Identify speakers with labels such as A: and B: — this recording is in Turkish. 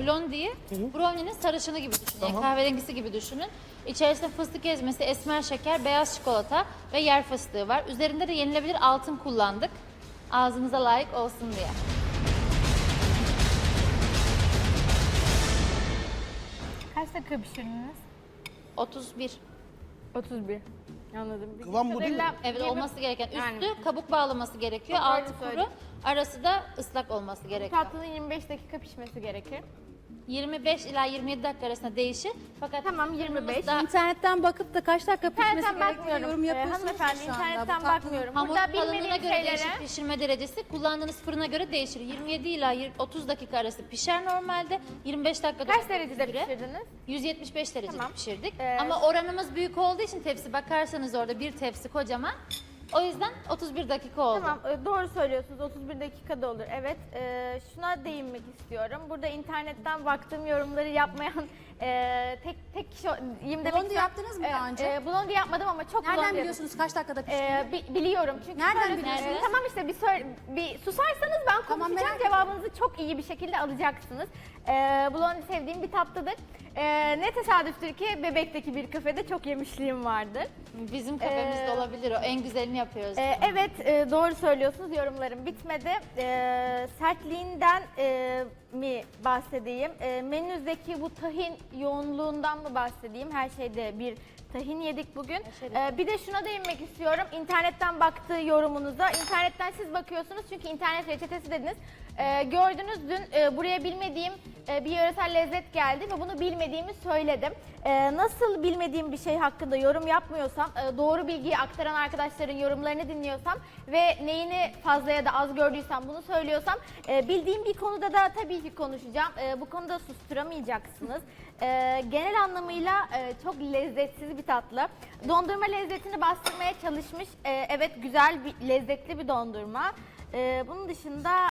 A: blondie'yi brownie'nin sarışını gibi düşünün. Yani kahverengisi gibi düşünün. İçerisinde fıstık ezmesi, esmer şeker, beyaz çikolata ve yer fıstığı var. Üzerinde de yenilebilir altın kullandık. Ağzınıza layık olsun diye.
B: Kaç dakika pişirdiniz?
A: 31.
B: 31. Anladım.
C: Kıvam bu değil mi?
A: Evet, olması gereken. Üstü
B: Yani.
A: kabuk bağlaması gerekiyor.
B: Çok öyle
A: Altı kuru.
B: söyleyeyim.
A: Arası da ıslak olması gerekiyor.
B: Tatlının 25 dakika pişmesi gerekir.
A: 25 ila 27 dakika arasında değişir. Fakat
B: Tamam, 25.
A: da
D: İnternetten bakıp da kaç dakika pişmesi
B: İnternetten
D: gerektiğini
B: bakmıyorum.
D: yorum yapıyorsunuz
B: Hanımefendi
D: şu anda.
B: internetten
D: Bu tatlının-
B: bakmıyorum.
A: hamur
B: Burada
A: kalınlığına
B: bilmediğim
A: göre
B: şeylere...
A: değişir pişirme derecesi. Kullandığınız fırına göre değişir. 27 ila 30 dakika arası pişer normalde. 25 dakika
B: Kaç derecede pişirdiniz?
A: 175 derecede
B: Tamam.
A: pişirdik.
B: Ee,
A: Ama oranımız büyük olduğu için tepsi bakarsanız orada bir tepsi kocaman. O yüzden 31 dakika oldu.
B: Tamam, doğru söylüyorsunuz. 31 dakikada olur. Evet, şuna değinmek istiyorum. Burada internetten baktığım yorumları yapmayan tek kişi...
D: Blondie yaptınız mı daha önce?
B: Blondie yapmadım ama çok
D: Nereden
B: blondie
D: biliyorsunuz kaç dakikada piştiğini?
B: biliyorum çünkü
D: Nereden
B: şöyle-
D: biliyorsunuz?
B: Tamam işte bir susarsanız ben
D: Tamam,
B: konuşacağım,
D: merak
B: cevabınızı çok iyi bir şekilde alacaksınız. Blondie sevdiğim bir tatlıdır. Ne tesadüftür ki Bebek'teki bir kafede çok yemişliğim vardır.
A: Bizim kafemizde olabilir o. En güzelini yapıyoruz.
B: Evet, doğru söylüyorsunuz. Yorumlarım bitmedi. Sertliğinden mi bahsedeyim? Menünüzdeki bu tahin yoğunluğundan mı bahsedeyim? Her şeyde bir tahin yedik bugün. Bir de şuna değinmek istiyorum. İnternetten baktığı yorumunuza. İnternetten siz bakıyorsunuz çünkü internet reçetesi dediniz. Gördünüz dün buraya bilmediğim bir yöresel lezzet geldi ve bunu bilmediğimi söyledim. Nasıl bilmediğim bir şey hakkında yorum yapmıyorsam, doğru bilgiyi aktaran arkadaşların yorumlarını dinliyorsam ve neyini fazla ya da az gördüysem bunu söylüyorsam, bildiğim bir konuda da tabii ki konuşacağım. Bu konuda susturamayacaksınız. Genel anlamıyla çok lezzetsiz bir tatlı. Dondurma lezzetini bastırmaya çalışmış. Evet, güzel, lezzetli bir dondurma. Bunun dışında